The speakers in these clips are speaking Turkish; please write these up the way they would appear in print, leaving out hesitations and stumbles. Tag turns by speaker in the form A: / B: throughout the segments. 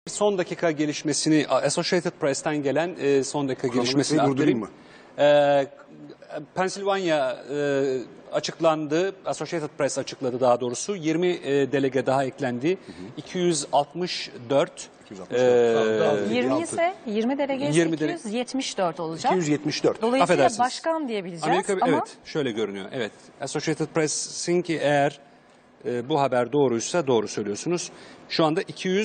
A: Son dakika gelişmesini, Associated Press'ten gelen son dakika gelişmesini
B: durdurayım mı?
A: Pensilvanya açıklandı, Associated Press açıkladı daha doğrusu. 20 delege daha eklendi. 264.
C: 20 ise 20 delege 274 olacak.
B: 274.
C: Dolayısıyla
A: Affedersiniz.
C: başkan diyebileceğiz
A: Amerika,
C: ama
A: evet, şöyle görünüyor. Evet, Associated Press'in ki eğer bu haber doğruysa doğru söylüyorsunuz. Şu anda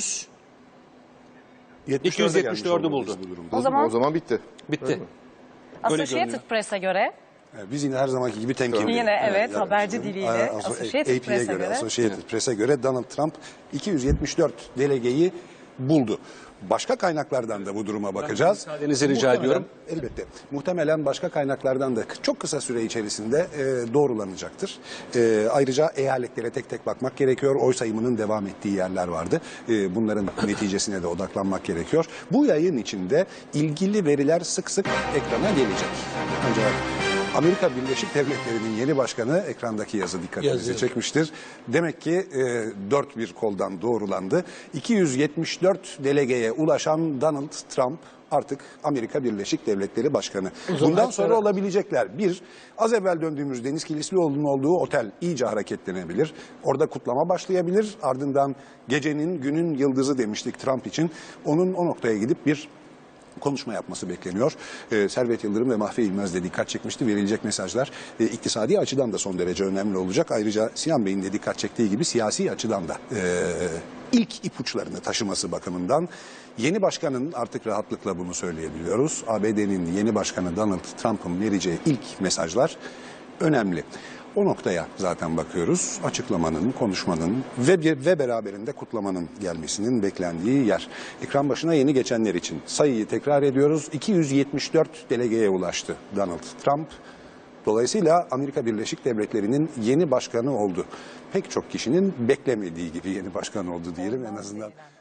A: 274'ü buldu.
C: O zaman
D: bitti.
A: Bitti.
C: Associated Press'e göre
B: Biz yine her zamanki gibi temkinli.
C: Yine evet, haberci diliyle Associated
B: AP'ye
C: Press'e göre.
B: Associated Press'e göre Donald Trump 274 delegeyi buldu. Başka kaynaklardan da bu duruma bakacağız.
A: Müsaadenizi rica ediyorum.
B: Elbette. Muhtemelen başka kaynaklardan da çok kısa süre içerisinde doğrulanacaktır. Ayrıca eyaletlere tek tek bakmak gerekiyor. Oy sayımının devam ettiği yerler vardı. Bunların neticesine de odaklanmak gerekiyor. Bu yayın içinde ilgili veriler sık sık ekrana gelecek. Ancak Amerika Birleşik Devletleri'nin yeni başkanı, ekrandaki yazı dikkatinizi çekmiştir. Demek ki dört bir koldan doğrulandı. 274 delegeye ulaşan Donald Trump artık Amerika Birleşik Devletleri Başkanı. Bundan sonra olabilecekler: bir, az evvel döndüğümüz Deniz Kilislioğlu'nun olduğu otel iyice hareketlenebilir. Orada kutlama başlayabilir. Ardından gecenin, günün yıldızı demiştik Trump için. Onun o noktaya gidip bir konuşma yapması bekleniyor. Servet Yıldırım ve Mahfi İlmez de dikkat çekmişti. Verilecek mesajlar iktisadi açıdan da son derece önemli olacak. Ayrıca Sinan Bey'in de dikkat çektiği gibi siyasi açıdan da ilk ipuçlarını taşıması bakımından yeni başkanın, artık rahatlıkla bunu söyleyebiliyoruz, ABD'nin yeni başkanı Donald Trump'ın vereceği ilk mesajlar önemli. O noktaya zaten bakıyoruz. Açıklamanın, konuşmanın ve beraberinde kutlamanın gelmesinin beklendiği yer. Ekran başına yeni geçenler için sayıyı tekrar ediyoruz. 274 delegeye ulaştı Donald Trump. Dolayısıyla Amerika Birleşik Devletleri'nin yeni başkanı oldu. Pek çok kişinin beklemediği gibi yeni başkan oldu diyelim en azından.